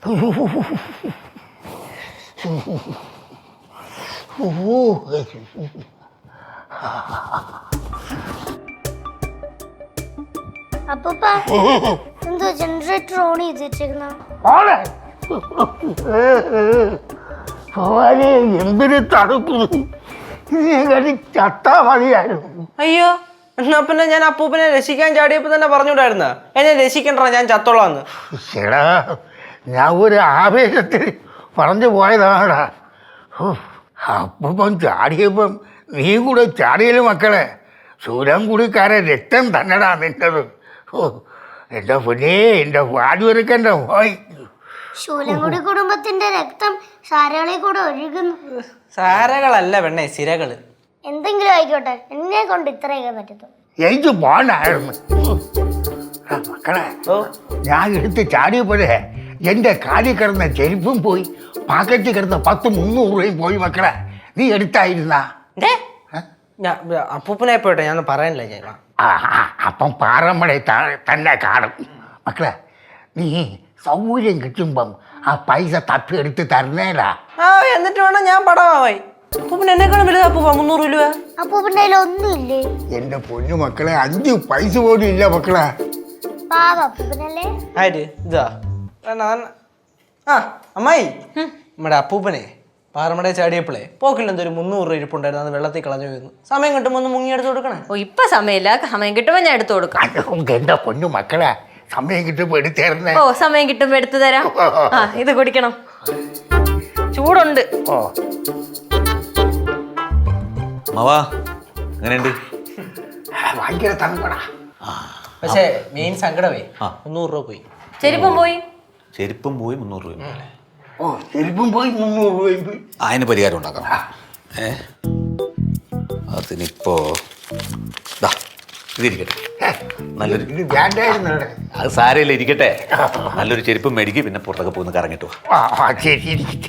അപ്പൂപ്പ എന്തോ generator on ചെയ്ത് വെച്ചേക്കുന്ന എന്തൊരു തണുപ്പ് ചത്താ മതിയായിരുന്നു. അയ്യോ എന്നാ പിന്നെ ഞാൻ അപ്പൂപ്പനെ രക്ഷിക്കാൻ ചാടിയപ്പോ തന്നെ പറഞ്ഞുകൂടായിരുന്ന എന്നെ രക്ഷിക്കണ്ട ഞാൻ ചത്തോളാന്ന്. ചേടാ ഞാൻ ഒരു ആവേശത്തിൽ പറഞ്ഞു പോയതാടാ. അപ്പം ചാടിയപ്പം നീ കൂടെ ചാടിയല്ലോ മക്കളെ. സൂര്യൻകുടിക്കാരെ രക്തം തന്നെടാ നിൻ്റെത്. എൻ്റെ പൊന്നേ, എൻ്റെ വാടുവെറുക്കൻ്റെ പോയി. ശൂലംകുടി കുടുംബത്തിന്റെ രക്തം സാരകളിൽ കൂടെ ഒഴുകുന്നു. സാരകളല്ല പെണ്ണേ, സിരകള്. എന്തെങ്കിലും ആയിക്കോട്ടെ, എന്നെ കൊണ്ട് ഇത്രയൊക്കെ പറ്റത്തു. എനിക്ക് പോണ്ടായിരുന്നു മക്കളെ. ഞാൻ എടുത്ത് ചാടിയപ്പോഴേ എൻ്റെ കാലിൽ കിടന്ന ചെരുപ്പും പോയി, പാക്കറ്റിൽ കിടന്ന 10-300 രൂപയും പോയി മക്കളെ. നീ എടുത്തായിരുന്നാ? അപ്പൂപ്പനെ പോട്ടെ, ഞാൻ പറയാനില്ല. ഞാൻ അപ്പം പാറമ്മടെ തന്നെ കാണും മക്കളെ. നീ സൗകര്യം കിട്ടുമ്പം ആ പൈസ തപ്പിയെടുത്ത് തരണേലാ. എന്നിട്ട് വേണം ഞാൻ പടമായി. അപ്പൂപ്പൻ എന്നെക്കാളും വലുതാ അപ്പൂപ്പ 300 രൂപ. അപ്പൂപ്പൻ്റെ കയ്യിൽ ഒന്നുമില്ലേ? എൻ്റെ പൊന്നു മക്കളെ, 5 പൈസ പോലും ഇല്ല മക്കളെ. പാവ അപ്പൂപ്പനല്ലേ. ആര് ഇതാ? അമ്മായി, നമ്മുടെ അപ്പൂപ്പനെ പാറമട ചാടിയപ്പോളേ പോക്കിൽ എന്തൊരു 300 രൂപ ഇരിപ്പുണ്ടായിരുന്നു. അത് വെള്ളത്തിൽ കളഞ്ഞു പോയിരുന്നു. സമയം കിട്ടുമ്പോൾ ഒന്ന് മുങ്ങി എടുത്ത് കൊടുക്കണേ. ഓ ഇപ്പൊ സമയമില്ല, സമയം കിട്ടുമ്പോ ഞാൻ എടുത്തു കൊടുക്കാം. എൻ്റെ പൊന്നു മക്കളെ, സമയം കിട്ടുമ്പോ എടുത്തേർന്നേ. ഓ സമയം കിട്ടുമ്പോ എടുത്തു തരാം. ആ ഇത് കുടിക്കണം, ചൂടുണ്ട്. ഓ മാവാ എങ്ങനെയുണ്ട്? ഭയങ്കര തണുപ്പടാ. പക്ഷേ മെയിൻ സങ്കടമേ 300 രൂപ പോയി. ചെരുപ്പം പോയി. ചെരുപ്പം പോയി 300 രൂപ. ഓ ചെരുപ്പും പോയി 300 രൂപയും പോയി. അതിന് പരിഹാരം ഉണ്ടാക്കാം. അതിനിപ്പോ ഇതിരിക്കട്ടെ, നല്ലൊരു ഇത് വേണ്ടായിരുന്നു. അത് സാരമില്ല, ഇരിക്കട്ടെ. നല്ലൊരു ചെരുപ്പം മേടിക്ക്, പിന്നെ പുറത്തൊക്കെ പോയി കറങ്ങിട്ട് വാ. ശരി ഇരിക്കട്ടെ.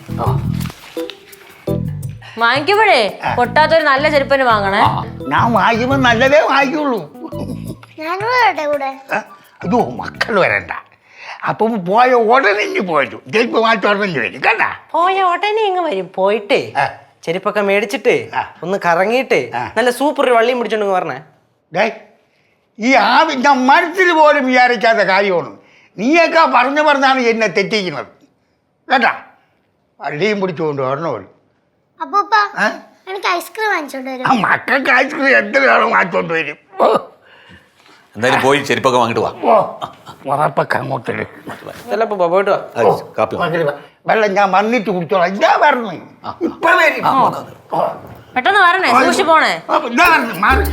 വാങ്ങിക്കുമ്പോഴേ പൊട്ടാത്തൊരു നല്ല ചെരുപ്പന് വാങ്ങണേ. ഞാൻ വാങ്ങിക്കുമ്പോ നല്ലതേ വാങ്ങിക്കുള്ളൂ. ഞാനും വരട്ടെ കൂടെ. അയ്യോ മക്കൾ വരണ്ട. അപ്പം പോയ ഉടനെ ഇനി പോയിട്ടു ചെരുപ്പ് മാറ്റി ഉടനെ വരും കണ്ടാ. പോയ ഉടനെ ഇങ്ങ് വരും. പോയിട്ടേ ചെരുപ്പൊക്കെ മേടിച്ചിട്ടേ ഒന്ന് കറങ്ങിയിട്ടേ നല്ല സൂപ്പർ ഒരു വള്ളിയും പിടിച്ചോണ്ട് പറഞ്ഞേ. ഡേ ഈ ഞാൻ മനസ്സിൽ പോലും വിചാരിക്കാത്ത കാര്യമാണ്. നീയൊക്കെ പറഞ്ഞാണ് എന്നെ തെറ്റിക്കുന്നത് കേട്ടാ. വള്ളിയും പിടിച്ചുകൊണ്ട് വരണമല്ലോ. അപ്പൂപ്പ എനിക്ക് ഐസ്ക്രീം വാങ്ങിച്ചോണ്ട് വരും. ആ മക്കൾക്ക് ഐസ്ക്രീം എത്രയാണോ വാങ്ങിച്ചോണ്ട് വരും. എന്തായാലും പോയി ചെരുപ്പൊക്കെ വാങ്ങിട്ട് വാ. ഉറപ്പൊക്കെ അങ്ങോട്ട് ചിലപ്പോ പോയിട്ട് വാ. കാപ്പി വെള്ളം ഞാൻ വന്നിട്ട് കുടിച്ചോളാം. ഇതാ പറഞ്ഞു ഇപ്പൊ വരും. പെട്ടെന്ന് വരണേ, സൂക്ഷിച്ചു പോണേ. ഇതാ പറഞ്ഞു മാറി.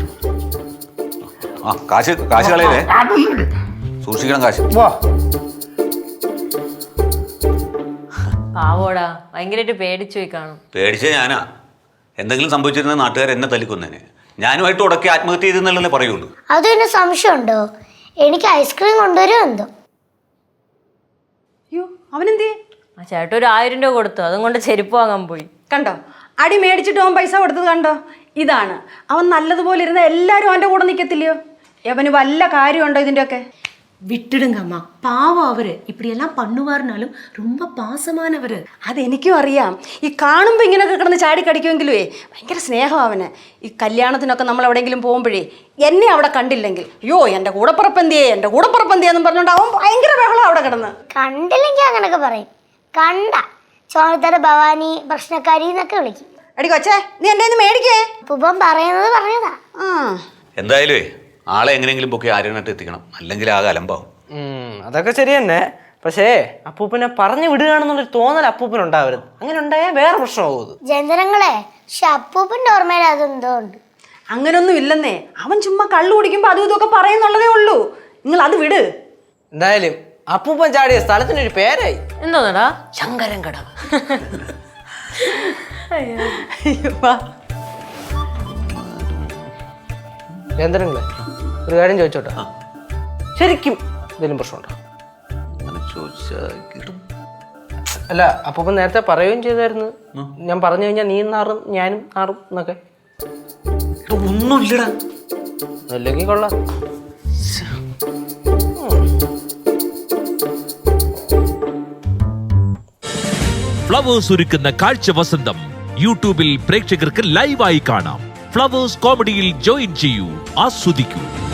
കാശ് കളയല്ലേ, അതൊന്നും സൂക്ഷിക്കണം കാശ്. പാവോടാ, ഭയങ്കരമായിട്ട് പേടിച്ചു പോയി കാണും. പേടിച്ചേ ഞാനാ. എന്തെങ്കിലും സംഭവിച്ചിരുന്ന നാട്ടുകാർ എന്നെ തല്ലിക്കൊന്നേനെ. ഞാനുമായിട്ട് ഉടക്കി ആത്മഹത്യ ചെയ്തെന്നുള്ളതേ പറയുള്ളൂ. അത് പിന്നെ സംശയമുണ്ടോ? എനിക്ക് ഐസ്ക്രീം കൊണ്ടുവരും എന്തോ. അയ്യോ അവനെന്തേ? ആ ചേട്ടൻ ഒരു 1000 രൂപ കൊടുത്തു, അതും കൊണ്ട് ചെരുപ്പ് വാങ്ങാൻ പോയി. കണ്ടോ, അടി മേടിച്ചിട്ട് അവൻ പൈസ കൊടുത്തത് കണ്ടോ? ഇതാണ് അവൻ നല്ലതുപോലെ ഇരുന്ന എല്ലാവരും അവൻ്റെ കൂടെ നിൽക്കത്തില്ലയോ? അവന് വല്ല കാര്യമുണ്ടോ ഇതിൻ്റെയൊക്കെ? விட்டுடுங்கம்மா, பாவம் அவரு இப்படியெல்லாம் பண்ணுவாருனாலும் ரொம்ப பாசமானவர். അതെനിക്കും അറിയാം. ഈ കാണുമ്പോൾ ഇങ്ങനെയൊക്കെ കിടന്ന് ചാടി കടിക്കുമെങ്കിലുവേ ഭയങ്കര സ്നേഹം അവന്. ഈ കല്യാണത്തിനൊക്കെ നമ്മൾ എവിടെയെങ്കിലും പോകുമ്പോഴേ എന്നെ അവിടെ കണ്ടില്ലെങ്കിൽ അയ്യോ എൻ്റെ കൂടപ്പുറപ്പന്തിയെന്നും പറഞ്ഞുകൊണ്ട് അവൻ ഭയങ്കര ബഹളം അവിടെ കിടന്ന്. കണ്ടില്ലെങ്കിൽ അങ്ങനൊക്കെ പറയും. കണ്ട ചോണത്തര ഭവാനി പ്രശ്നക്കാരി എന്നൊക്കെ വിളിക്കും. എടി കൊച്ചേ, നീ എൻ്റെ മേടിക്കേ. അപ്പൂപ്പൻ പറയുന്നത് പറഞ്ഞതാ. എന്തായാലും ആളെ എങ്ങനെയെങ്കിലും പൊക്കി ആര്യനായിട്ട് എത്തിക്കണം, അല്ലെങ്കിൽ ആകെ അലമ്പാവും. അതൊക്കെ ശരി തന്നെ. പക്ഷേ അപ്പൂപ്പനെ പറഞ്ഞു വിടുകയാണെന്നുള്ളൊരു തോന്നൽ അപ്പൂപ്പൻ ഉണ്ടാവരുത്. അങ്ങനെ ഉണ്ടായാൽ വേറെ പ്രശ്നമാവും. ജനങ്ങളെ പക്ഷെ അപ്പൂപ്പൻ്റെ ഓർമ്മയിൽ അതെന്തോ ഉണ്ട്. അങ്ങനൊന്നും ഇല്ലെന്നേ. അവൻ ചുമ്മാ കള്ളു കുടിക്കുമ്പോൾ അതും ഇതൊക്കെ പറയുന്നുള്ളതേ ഉള്ളൂ. നിങ്ങൾ അത് വിട്. എന്തായാലും അപ്പൂപ്പൻ ചാടിയ സ്ഥലത്തിനൊരു പേരായി. എന്തോന്നടാ? ശങ്കരൻ കടവ്. കേന്ദ്രങ്ങളെ ഒരു കാര്യം ചോദിച്ചോട്ടെ, ശരിക്കും എന്തെങ്കിലും പ്രശ്നമുണ്ടോ? അങ്ങനെ ചോദിച്ചാൽ അല്ല അപ്പൂപ്പൻ നേരത്തെ പറയുകയും ചെയ്തായിരുന്നു, ഞാൻ പറഞ്ഞു കഴിഞ്ഞാൽ നീ നാറും ഞാനും നാറും എന്നൊക്കെ. ഒന്നുമില്ലടാ. അല്ലെങ്കിൽ കൊള്ളാം. ഫ്ലവേഴ്സ് ഒരുക്കുന്ന കാഴ്ച വസന്തം യൂട്യൂബിൽ പ്രേക്ഷകർക്ക് ലൈവായി കാണാം. ഫ്ലവേഴ്സ് കോമഡിയിൽ ജോയിൻ ചെയ്യൂ, ആസ്വദിക്കൂ.